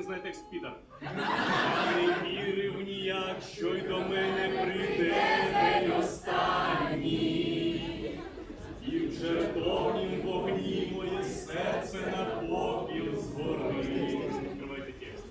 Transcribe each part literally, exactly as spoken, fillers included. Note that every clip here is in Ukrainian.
знає текст підар. Я не вірив ніяк, що й до мене прийде день останній. І в жертовнім вогні моє серце на попіл згорить. Відкривайте текст.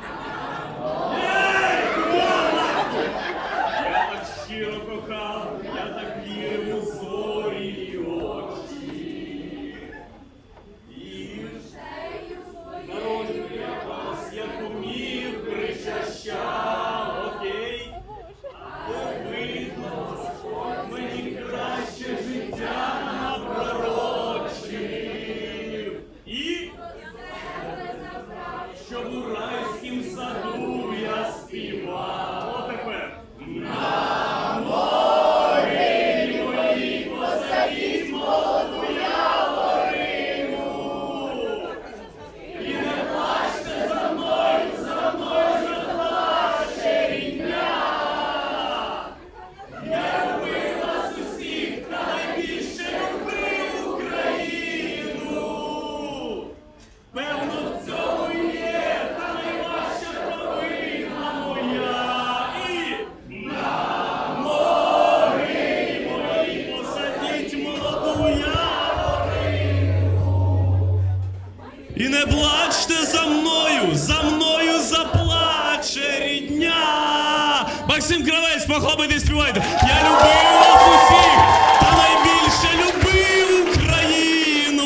Я так щиро кохав, я так вірив у зорі і очі. І народжую я вас, як умів, причащав, окей? Бо видно, мені краще життя напророчив. І щоб у райськім саду я співав. О, тепер. На морі моїй посадіть молоду яворину. І не плачте за мною, за мною заплаче рідня. Я любив вас усіх, та найбільше любив Україну. Певно, в цьому і є та найважча провина моя. І на морі моїй посадіть молоду яворину. І не плачте за мною, за мною заплаче рідня. Максим Кравець, похлопайте, співайте. Я любив вас усіх, та найбільше любив Україну.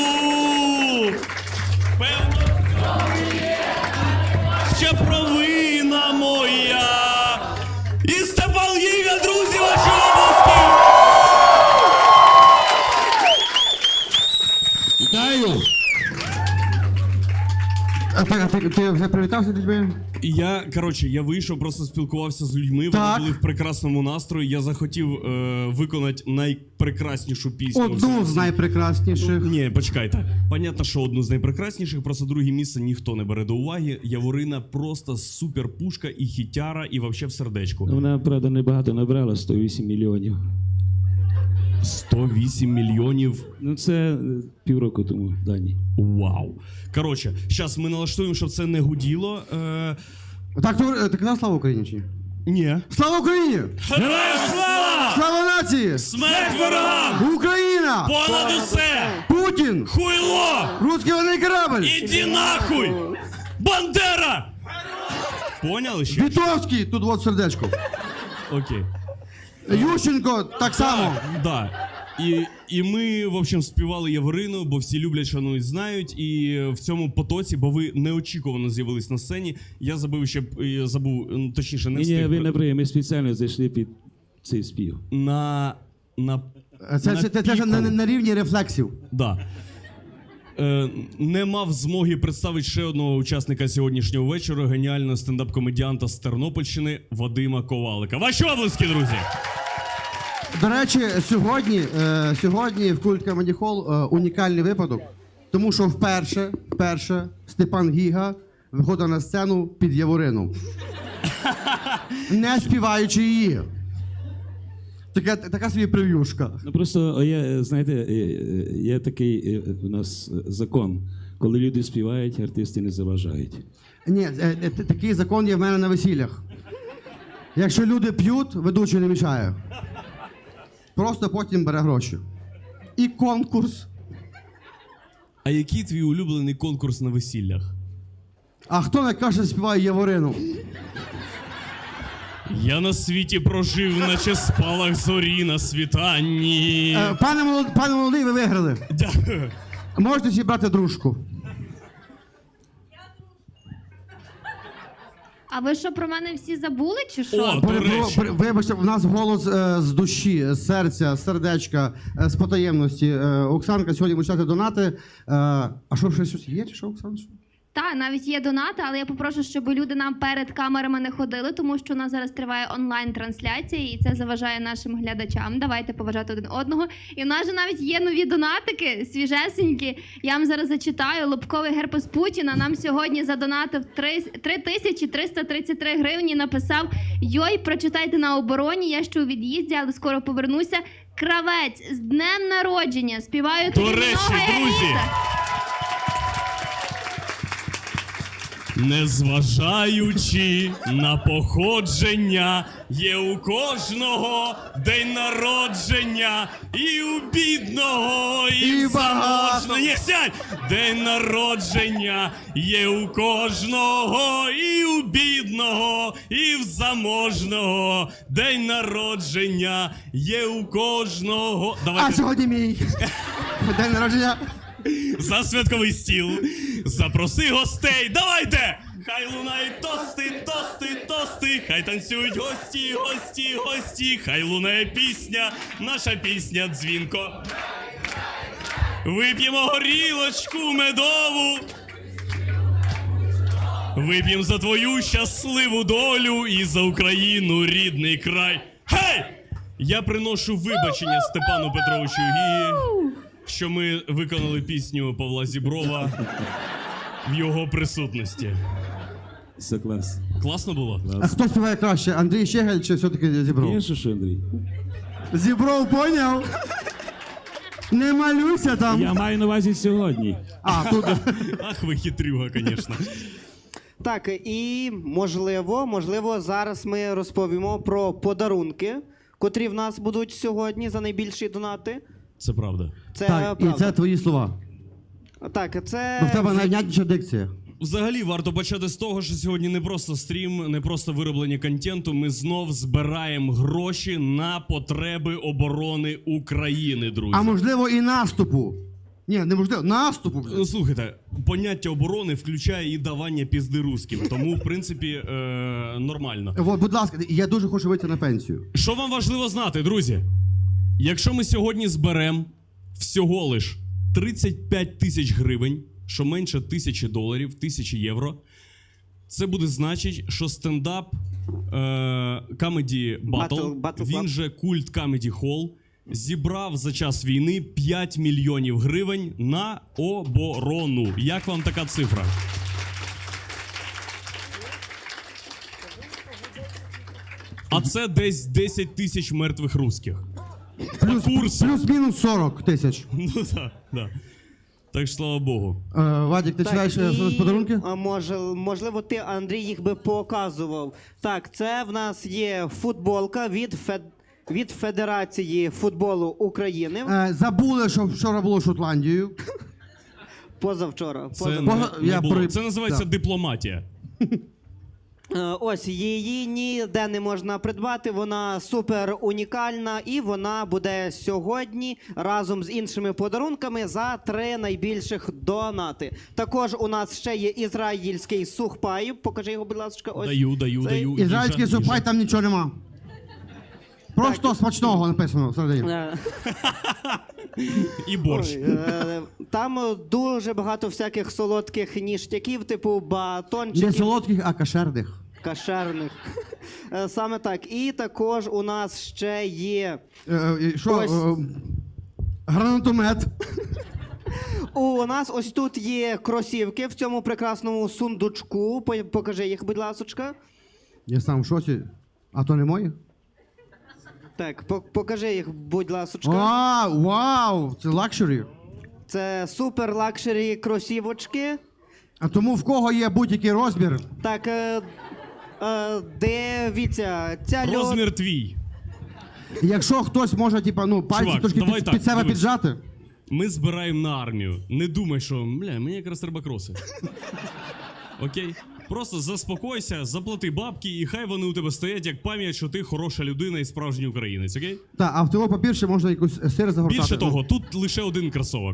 Певно, в цьому є найважча провина моя. І Степан Гіга, друзі, ваші обласки. Вітаю! А так, а ти, ти вже привітався з людьми? Я, коротше, я вийшов, просто спілкувався з людьми, Так. вони були в прекрасному настрої. Я захотів е, виконати найпрекраснішу пісню. Одну з найпрекрасніших. Ні, почекайте. Понятно, що одну з найпрекрасніших, просто друге місце ніхто не бере до уваги. Яворина просто супер пушка і хітяра, і вообще в сердечку. Вона, правда, небагато набрала, сто вісім мільйонів. сто вісім мільйонів. Ну, це е, півроку тому, Дані. Вау. Коротше, зараз ми налаштуємо, щоб це не гуділо. Е, Так, ти, ти казав слава Україні чи ні? ні. Слава Україні! Героям слава! Слава нації! Смерть ворогам! Україна! Понад усе! Путін! Хуйло! Русський воєнний корабль! Іди нахуй! Бандера! Поняли ще? Вітовський! Тут от сердечко. Окей. Ющенко так само. Да. І, і ми, в общем, співали Яворину, бо всі люблять, шанують, знають. І в цьому потоці, бо ви неочікувано з'явились на сцені, я забув ще, я забув, ну, точніше, не Ні, ні, встиг. ви не бриє, ми спеціально зайшли під цей спів. На, на, Це, це, це, це ж на, на рівні рефлексів. да. Е, не мав змоги представити ще одного учасника сьогоднішнього вечора, геніального стендап-комедіанта з Тернопільщини Вадима Ковалика. Ваші обласки, друзі! До речі, сьогодні, е, сьогодні в Культ Comedy Hall е, унікальний випадок, тому що вперше, вперше Степан Гіга виходить на сцену під Яворину. Не співаючи її. Така, така собі прев'юшка. Ну просто є, знаєте, е, е, є такий е, у нас е, закон. Коли люди співають, артисти не заважають. Ні, е, е, такий закон є в мене на весіллях. Якщо люди п'ють, ведучий не мішає. Просто потім бере гроші. І конкурс. А який твій улюблений конкурс на весіллях? А хто найкраще співає Яворину? Я на світі прожив, наче спалах зорі на світанні. Е, пане, молод... пане молодий, ви виграли. Дякую. Можете зібрати дружку. А ви що, про мене всі забули, чи що? О, до При- речі. при- Вибачте, в нас голос е, з душі, з серця, з сердечка, е, з потаємності. Е, Оксанка сьогодні буде читати донати. Е, а що, щось щось є, чи що, Оксан? Що? Так, навіть є донати, але я попрошу, щоб люди нам перед камерами не ходили, тому що у нас зараз триває онлайн-трансляція, і це заважає нашим глядачам. Давайте поважати один одного. І в нас же навіть є нові донатики, свіжесенькі. Я вам зараз зачитаю. Лобковий герпес Путіна нам сьогодні задонатив три тисячі триста тридцять три гривні. Написав: «Йой, прочитайте на обороні, я ще у від'їзді, але скоро повернуся. Кравець, з днем народження! Співаю До тобі речі, много друзі, еліта». Незважаючи на походження, є у кожного день народження, і у бідного, і, І в багатого. заможного. Ні, сядь! День народження є у кожного, і у бідного, і в заможного. День народження є у кожного. А Давайте сьогодні мій день народження. за святковий стіл. Запроси гостей. Давайте! Хай лунають тости, тости, тости. Хай танцюють гості, гості, гості. Хай лунає пісня, наша пісня дзвінко. Вип'ємо горілочку медову. Вип'ємо за твою щасливу долю і за Україну, рідний край. Гей! Я приношу вибачення Степану Петровичу Гії, що ми виконали пісню Павла Зіброва в його присутності. Все клас. Класно було? А хто співає краще, Андрій Щегель чи все-таки Зібров? Є що, що, Андрій? Зібров, поняв? Не малюйся там. Я маю на увазі сьогодні. А, тут. Ах, ви хитрюга, звісно. Так, і можливо, можливо, зараз ми розповімо про подарунки, котрі в нас будуть сьогодні за найбільші донати. Це правда. Це Так, і правда. це твої слова. Так, це Бо в тебе найнятніша дикція. Взагалі, варто почати з того, що сьогодні не просто стрім, не просто вироблення контенту. Ми знов збираємо гроші на потреби оборони України, друзі. А можливо і наступу. Ні, неможливо, наступу. Ну, блядь. слухайте, поняття оборони включає і давання пізди русським, тому, в принципі, е- нормально. От, будь ласка, я дуже хочу вийти на пенсію. Що вам важливо знати, друзі? Якщо ми сьогодні зберемо всього лиш тридцять п'ять тисяч гривень, що менше тисячі доларів, тисячі євро, це буде значить, що стендап Comedy Battle, Battle- Battle він Club. же культ Comedy Hall, зібрав за час війни п'ять мільйонів гривень на оборону. Як вам така цифра? А це десь десять тисяч мертвих русських. Плюс, курсу. плюс-мінус сорок тисяч. Ну так, да. Так що, слава Богу. Е, Вадик, ти читаєш е, і, з подарунки? а, може, можливо, ти, Андрій, їх би показував. Так, це в нас є футболка від, Фед... від Федерації футболу України. Е, забули, що вчора було Шотландією. Позавчора. Це, позавчора. не, Поза- не я було. при- Це називається да. дипломатія. Е, Ось її ніде не можна придбати. Вона супер унікальна, і вона буде сьогодні разом з іншими подарунками за три найбільших донати. Також у нас ще є ізраїльський сухпай. Покажи його, будь ласка. Ось Даю, даю, цей. даю. Ізраїльський Їжа, супай, їжа. там нічого нема. Просто смачного написано всередині. Е, І борщ. ой, е, Там е, дуже багато всяких солодких ніштяків, типу Не батончиків. солодких, а кашерних. Кашерних. Е, Саме так. І також у нас ще є. Е, е, Що? Ось. е, Гранатомет. У нас ось тут є кросівки в цьому прекрасному сундучку. По- Покажи їх, будь ласочка. Я сам в шоці. А то не мої? Так, по- покажи їх, будь ласочка. А, вау! Це лакшері. Це супер лакшері кросівочки. А тому в кого є будь-який розмір, Так, е, е, дивіться, ця льот... Розмір твій. якщо хтось може, типа, ну, пальці Чувак, трошки давай під, так, під себе дивись. піджати. Ми збираємо на армію. Не думай, що бля, мені якраз треба кроси. Окей? Просто заспокойся, заплати бабки, і хай вони у тебе стоять як пам'ять, що ти хороша людина і справжній українець, окей? Так, а в того папір ще можна якусь сир загортати. Більше того, тут лише один кросовок.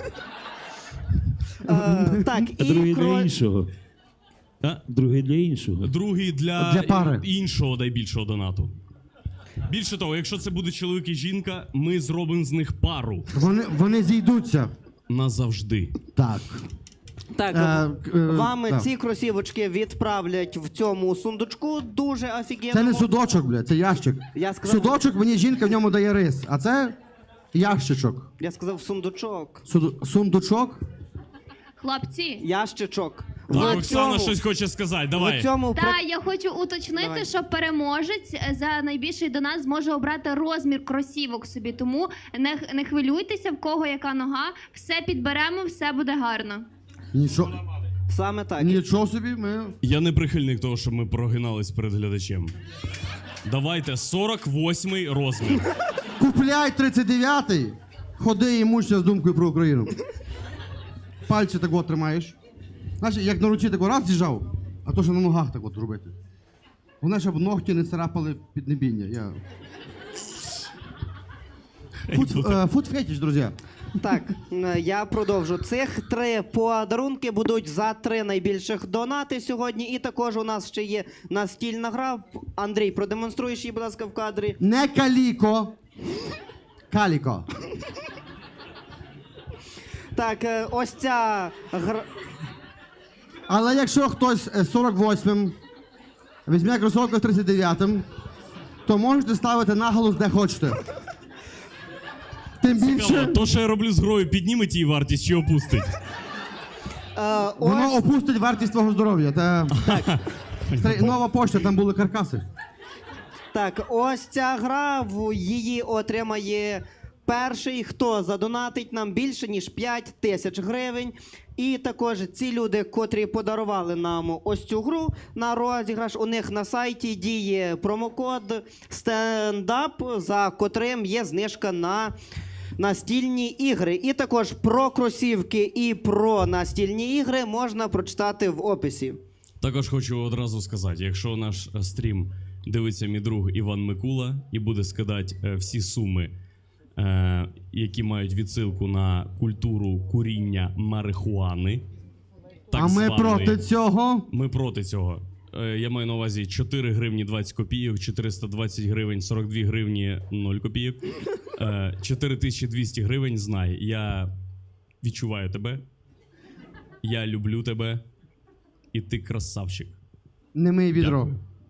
Е, так, А і другий для кро... іншого. А? Другий для іншого. Другий для, Для пари. іншого найбільшого донату. Більше того, якщо це буде чоловік і жінка, ми зробимо з них пару Вони, вони зійдуться. назавжди. Так. Так, Е, е, вам да. ці кросівочки відправлять в цьому сундучку. Дуже офігенно. Це не судочок, бля, це ящик. Я сказав- Судочок мені жінка в ньому дає рис, а це ящичок. Я сказав сундучок. Суд... Сундучок? Хлопці, Ящичок. Так, В Оксана цьому- щось хоче сказати, В давай. цьому про- та я хочу уточнити, Давай. що переможець за найбільший донат зможе обрати розмір кросівок собі. Тому не, не хвилюйтеся, в кого яка нога. Все підберемо, все буде гарно. Нічого. Саме так. Нічого собі, ми. Я не прихильник того, щоб ми прогинались перед глядачем. Давайте сорок восьмий розмір. Купляй тридцять дев'ятий, ходи і мучся з думкою про Україну. Пальці так от тримаєш. Знаєш, як на руці так раз з'їжджав, а то що на ногах так от робити. Головне, щоб ногті не царапали піднебіння. Я... Фуд, е, фуд фетіш, друзі. Так, е, я продовжу. Цих три подарунки будуть за три найбільших донати сьогодні. І також у нас ще є настільна гра. Андрій, продемонструєш її, будь ласка, в кадрі. Не каліко. Каліко. Так, е, ось ця гра. Але якщо хтось з сорок восьмим візьме кросовки з тридцять дев'ятим, то можете ставити наголос де хочете. Тим Цікаво, більше, то, що я роблю з грою, підніметь її вартість чи опустить? Е, воно ось, опустить вартість твого здоров'я. Та... Стри- Нова пошта, там були каркаси. так, ось ця гра, в- її отримає перший, хто задонатить нам більше, ніж п'ять тисяч гривень. І також ці люди, котрі подарували нам ось цю гру на розіграш, у них на сайті діє промокод стендап, за котрим є знижка на настільні ігри. І також про кросівки і про настільні ігри можна прочитати в описі. Також хочу одразу сказати, якщо наш е, стрім дивиться мій друг Іван Микула і буде скидати е, всі суми, е, які мають відсилку на культуру куріння марихуани. так А ми званої, проти цього. Ми проти цього. Е, Я маю на увазі чотири гривні двадцять копійок, чотириста двадцять гривень, сорок дві гривні нуль копійок, е, чотири тисячі двісті гривень, знай. Я відчуваю тебе, я люблю тебе, і ти красавчик. Не мий відро.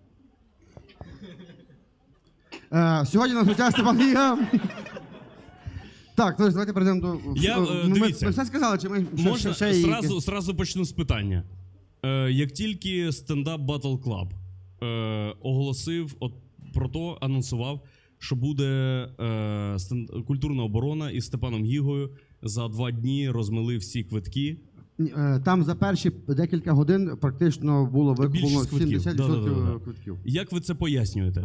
Е, сьогодні на гостях Степан Гіга. Так, то давайте перейдемо до... Я, е, ми, дивіться. ми все сказали, чи ми ще, Можна ще, ще сразу, сразу почну з питання. Е, як тільки стендап Battle Club е, оголосив от, про то, анонсував, що буде е, стенд, культурна оборона із Степаном Гігою, за два дні розмили всі квитки. Е, Там за перші декілька годин практично було викуплено Більшість квитків. сімдесят відсотків Да-да-да-да. квитків. Як ви це пояснюєте?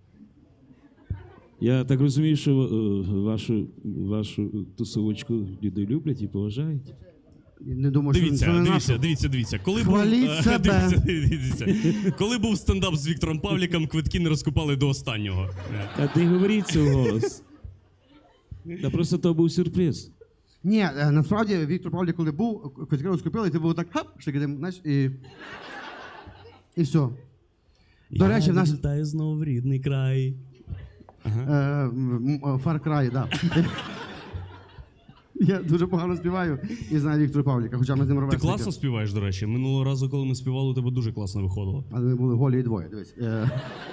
Я так розумію, що е, вашу, вашу тусовочку люди люблять і поважають. Не думаю, що Дивіться, це не дивіться, наше. дивіться, дивіться. Коли Хваліть був, е, себе. дивіться, дивіться. Коли був стендап з Віктором Павліком, квитки не розкупали до останнього. А ти говоріть це голос. Та просто то був сюрприз. Ні, е, насправді Віктор Павлік, коли був, квитки розкупили, і ти був так, хап, шикидим, знаєш, і... І все. До речі, в нас... Вітаю знову в рідний край. Е, м, м, Far Cry, да. Я дуже погано співаю і знаю Віктора Павліка, хоча ми з ним Ти ровесники. класно співаєш, до речі. Минулого разу, коли ми співали, у тебе дуже класно виходило. Але ми були голі і двоє, дивись. Е,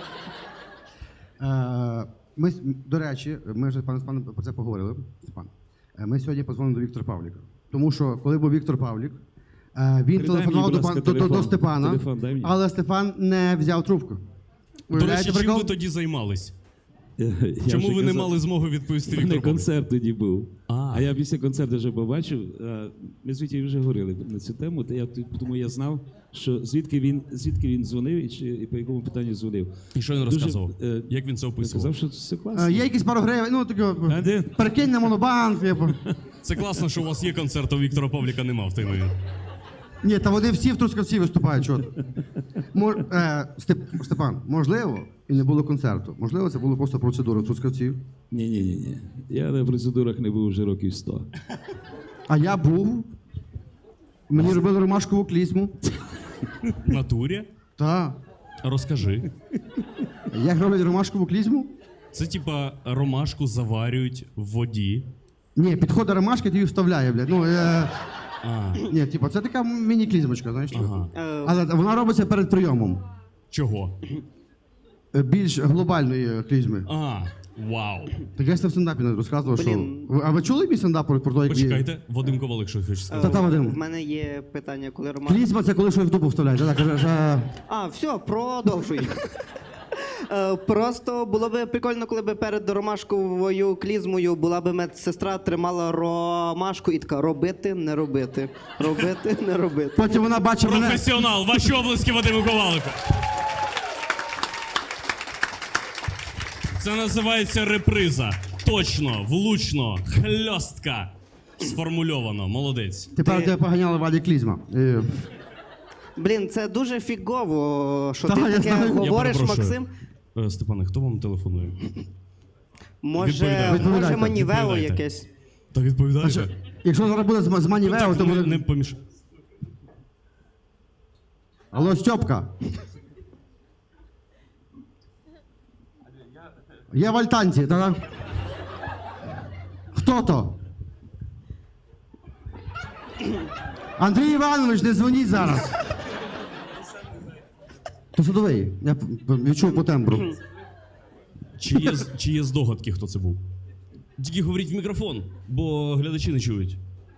е, ми, с- до речі, ми вже пане Степане про це поговорили. Степан. Е, Ми сьогодні позвонили до Віктора Павліка. Тому що, коли був Віктор Павлік, е, він Передай телефонував мені, до, будь ласка, пан, до, до, до телефон. Степана, Телефон дай мені. але Степан не взяв трубку. До речі, Уявляєте чим прикол? ви тоді займались? Я Чому вже ви не казав, мали змоги відповісти У мене Віктору Павліку? концерт тоді був. А. А я після концерту вже побачив. а, Ми з Вітєю вже говорили на цю тему, та я, тому я знав, що звідки він, звідки він дзвонив і, чи, і по якому питанню дзвонив. І що він Дуже, розказував? е, Як він це Я описував? сказав, що все класно. Е, Є якісь пару гривень, ну таке, А де? перекинь на монобанк, типу. Це класно, що у вас є концерт, а у Віктора Павліка нема в той момент. Ні, та вони всі в Трускавці виступають. Чого? Мож, е, Степ, Степан, можливо, і не було концерту. Можливо, це була просто процедура в Трускавці. Ні, ні, ні, ні. Я на процедурах не був вже років сто. А я був. Мені робили ромашкову клізму. В натурі? Та. Розкажи. Як роблять ромашкову клізму? Це типа ромашку заварюють в воді. Ні, підходить ромашка, ти її вставляє, блядь. Ну, е, А, ні, типу, це така міні-клізмочка, знаєш. типу. ага. Е, Але вона робиться перед прийомом. Чого? Е, Більш глобальної е, клізми. А, вау. Так я ж це в стендапі не розказував, що. Блін. Ви- А ви чули мій стендап про те, як ви- Почекайте, Вадим Ковалик щось хоче е, сказати. Та-та, Вадим. в мене є питання, коли Роман... Клізма це коли щось в дупу вставляють. Так, каже, що- А, все, продовжуй. Е, Просто було б прикольно, коли б перед ромашковою клізмою була б медсестра, тримала ромашку і така робити, не робити. Робити, не робити. Потім вона бачить мене. Професіонал, ваші облески Вадиму Ковалику. Це називається реприза. Точно, влучно, хльостка. Сформульовано. Молодець. Тепер Ти- тебе поганяли Ваді Клізма. Е, Блін, це дуже фігово, що Та, ти я таке знаю. Я говориш, перепрошую. Максим. Е, Степане, хто вам телефонує? Може, Відповідайте. може Відповідайте, манівео відповідайте. якесь. Та відповідайте. що, якщо зараз буде з, з Манівео, то не, буде... не поміш... Алло, Стьопка. Я в Альтанці, та хто то? Андрій Іванович, не дзвоніть зараз. То судовий. Я п- п- відчув по тембру. Чи є, з- чи є здогадки, хто це був? Тільки говоріть в мікрофон, бо глядачі не чують.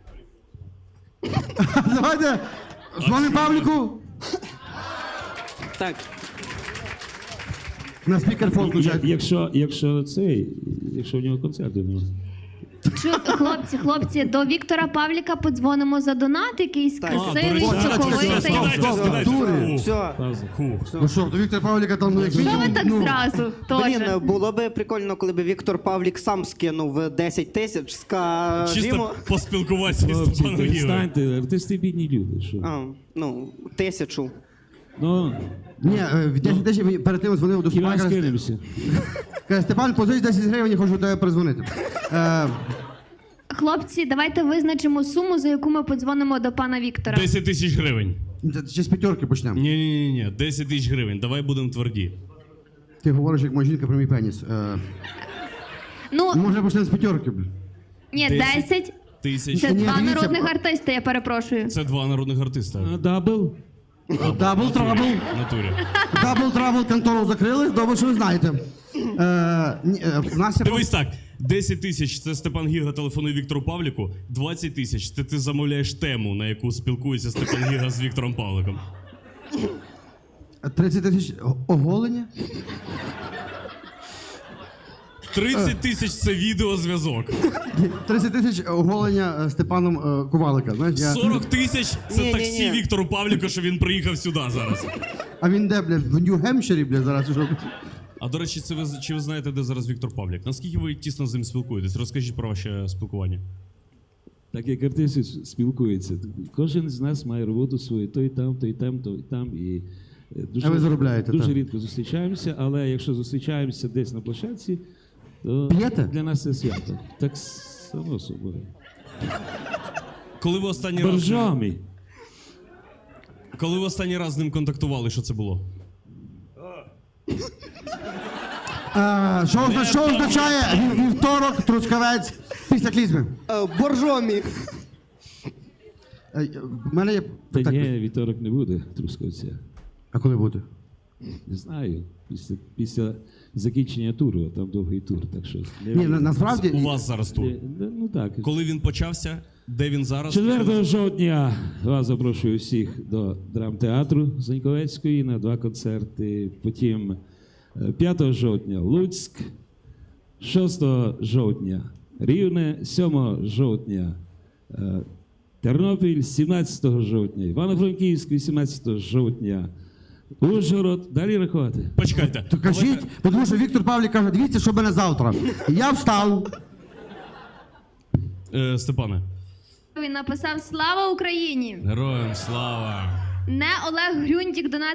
Давайте дзвонимо Павліку. Так. На спікерфон Я- включайте. Якщо, якщо цей, якщо в нього концерту немає. Чу, хлопці, хлопці, до Віктора Павліка подзвонимо за донат, якийсь Так. красивий, А, до речі, соковитий. стоп, стоп, стоп, дури. Все. Хух. Ну що, до Віктора Павліка там, ну, як Що ви мінімум, так ну, зразу? Блін, Тоже. було би прикольно, коли б Віктор Павлік сам скинув десять тисяч, скажімо. Чисто поспілкуватися з Хлопці, Степаном Гігою. перестаньте, артисти бідні люди. Що? А, ну, тисячу. Ну, Ні, е, в десять тисяч перед тим дзвонив до хіба Степана. Каже, скинемося. каже, Степан, позич десять гривень, я хочу до тебе перезвонити. Е, Хлопці, давайте визначимо суму, за яку ми подзвонимо до пана Віктора. десять тисяч гривень. ще з п'ятерки почнемо. Ні, ні, ні, ні, десять тисяч гривень. Давай будемо тверді. Ти говориш, як моя жінка про мій пеніс. Е, Ну, може почнемо з п'ятерки, блін. ні, десять. десять. Тисяч. Це Ні, два дивіться, народних бо- артиста, я перепрошую. Це два народних артиста. А, Дабл? Дабл трабл. В натурі. Дабл трабл контору закрили, добре, що ви знаєте. Е, ні, е, в нас є Дивись так, десять тисяч це Степан Гіга телефонує Віктору Павліку, двадцять тисяч це ти замовляєш тему, на яку спілкується Степан Гіга з Віктором Павликом. тридцять тисяч оголення. тридцять тисяч це відеозв'язок. тридцять тисяч оголення е, Степаном е, Ковалика. Знаєш, я... сорок тисяч це Ні-ні-ні. таксі Віктору Павліку, що він приїхав сюди зараз. А він де, блядь, в Нью-Гемпширі, блядь, зараз. Що? А до речі, це ви чи ви знаєте, де зараз Віктор Павлік? Наскільки ви тісно з ним спілкуєтесь? Розкажіть про ваше спілкування. Так як артисти спілкуються. Кожен з нас має роботу свою, той там, той там, той там. І е, дуже, А ви заробляєте, дуже так. рідко зустрічаємося, але якщо зустрічаємося десь на площадці, то П'єте? для нас це свято. Так само собою. Коли ви останній раз Боржомі. коли ви останній раз з ним контактували, що це було? Е, що, озна- що означає вів- вівторок, трускавець, після клізми? Е, Боржомі. Е, в мене є... Та так, ні, вівторок не буде трускавця. А коли буде? Не знаю. Після, після закінчення туру, а там довгий тур, так що. не- Ні, на, насправді... У вас зараз тур. Ні, ну так. Коли він почався, де він зараз? четвертого жовтня вас запрошую всіх до драмтеатру Заньковецької на два концерти. Потім е, п'ятого жовтня Луцьк, шостого жовтня Рівне, сьомого жовтня е, Тернопіль, сімнадцятого жовтня Івано-Франківськ, вісімнадцятого жовтня Ужгород. Далі рахувати. Почекайте. То кажіть, бо тому що Віктор Павлік каже, дивіться, що мене завтра. І я встав. Е, Степане. Він написав «Слава Україні!» Героям слава! Не Олег Грюндік донат